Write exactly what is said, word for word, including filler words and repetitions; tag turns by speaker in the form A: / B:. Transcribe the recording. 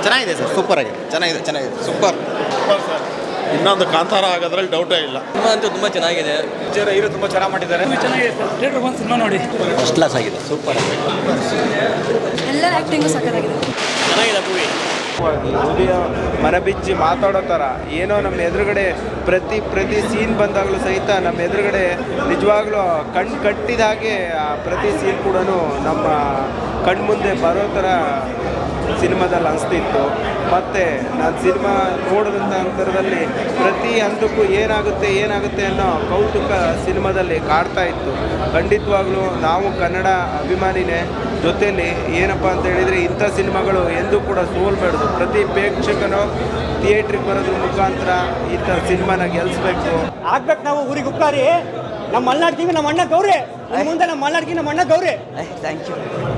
A: ಚೆನ್ನಾಗಿದೆ sir, super ಆಗಿದೆ, ಚೆನ್ನಾಗಿದೆ ಚೆನ್ನಾಗಿದೆ ಸೂಪರ್.
B: ಇನ್ನೊಂದು ಕಾಂತಾರ ಆಗೋದ್ರಲ್ಲಿ ಡೌಟೇ ಇಲ್ಲ.
C: ಸಿನಿಮಾ ಅಂತೂ ತುಂಬ ಚೆನ್ನಾಗಿದೆ.
A: ಪಿಕ್ಚರ್ ಹೀರೋ ತುಂಬ ಚೆನ್ನಾಗಿ ಮಾಡಿದ್ದಾರೆ.
D: ಚೆನ್ನಾಗಿದೆ ಸರ್, ಥಿಯೇಟರ್ ಬಂದು ಸಿನಿಮಾ ನೋಡಿ.
A: ಫಸ್ಟ್ ಕ್ಲಾಸ್ ಆಗಿದೆ, ಸೂಪರ್ ಆಗಿದೆ.
E: ಎಲ್ಲರ ಆ್ಯಕ್ಟಿಂಗು ಸಕ್ಕತ್ತಾಗಿದೆ.
C: ಚೆನ್ನಾಗಿದೆ ಮೂವಿ.
F: ಹೃದಯ ಮನಬಿಚ್ಚಿ ಮಾತಾಡೋ ಥರ ಏನೋ ನಮ್ಮ ಎದುರುಗಡೆ ಪ್ರತಿ ಪ್ರತಿ ಸೀನ್ ಬಂದಾಗಲೂ ಸಹಿತ ನಮ್ಮ ಎದುರುಗಡೆ ನಿಜವಾಗ್ಲೂ ಕಣ್ಣು ಕಟ್ಟಿದ ಹಾಗೆ ಆ ಪ್ರತಿ ಸೀನ್ ಕೂಡ ನಮ್ಮ ಕಣ್ಮುಂದೆ ಬರೋ ಥರ ಸಿನಿಮಾದಲ್ಲಿ ಅನಿಸ್ತಿತ್ತು. ಮತ್ತು ನಾನು ಸಿನಿಮಾ ನೋಡಿದಂಥ ಅಂತರದಲ್ಲಿ ಪ್ರತಿ ಹಂತಕ್ಕೂ ಏನಾಗುತ್ತೆ ಏನಾಗುತ್ತೆ ಅನ್ನೋ ಕೌತುಕ ಸಿನಿಮಾದಲ್ಲಿ ಕಾಡ್ತಾ ಇತ್ತು. ಖಂಡಿತವಾಗ್ಲೂ ನಾವು ಕನ್ನಡ ಅಭಿಮಾನಿನೇ, ಜೊತೆಯಲ್ಲಿ ಏನಪ್ಪ ಅಂತ ಹೇಳಿದರೆ ಇಂಥ ಸಿನಿಮಾಗಳು ಎಂದೂ ಕೂಡ ಸೋಲ್ಬಾರ್ದು. ಪ್ರತಿ ಪ್ರೇಕ್ಷಕನು ಥಿಯೇಟ್ರಿಗೆ ಬರೋದ್ರ ಮುಖಾಂತರ ಇಂಥ ಸಿನಿಮಾನ ಗೆಲ್ಲಿಸ್ಬೇಕು.
G: ಆಗ್ಬೇಕು ನಾವು ಊರಿಗೆ ಉಪ್ಪಾರಿ ನಮ್ಮ ಮಲ್ನಾಡ್ತೀವಿ, ನಮ್ಮ ಅಣ್ಣ ಗೌರಿ ಮುಂದೆ ನಮ್ಮ ಮಲ್ನಾಡ್ತೀವಿ, ನಮ್ಮ ಅಣ್ಣ ಗೌರಿ.
C: Thank you.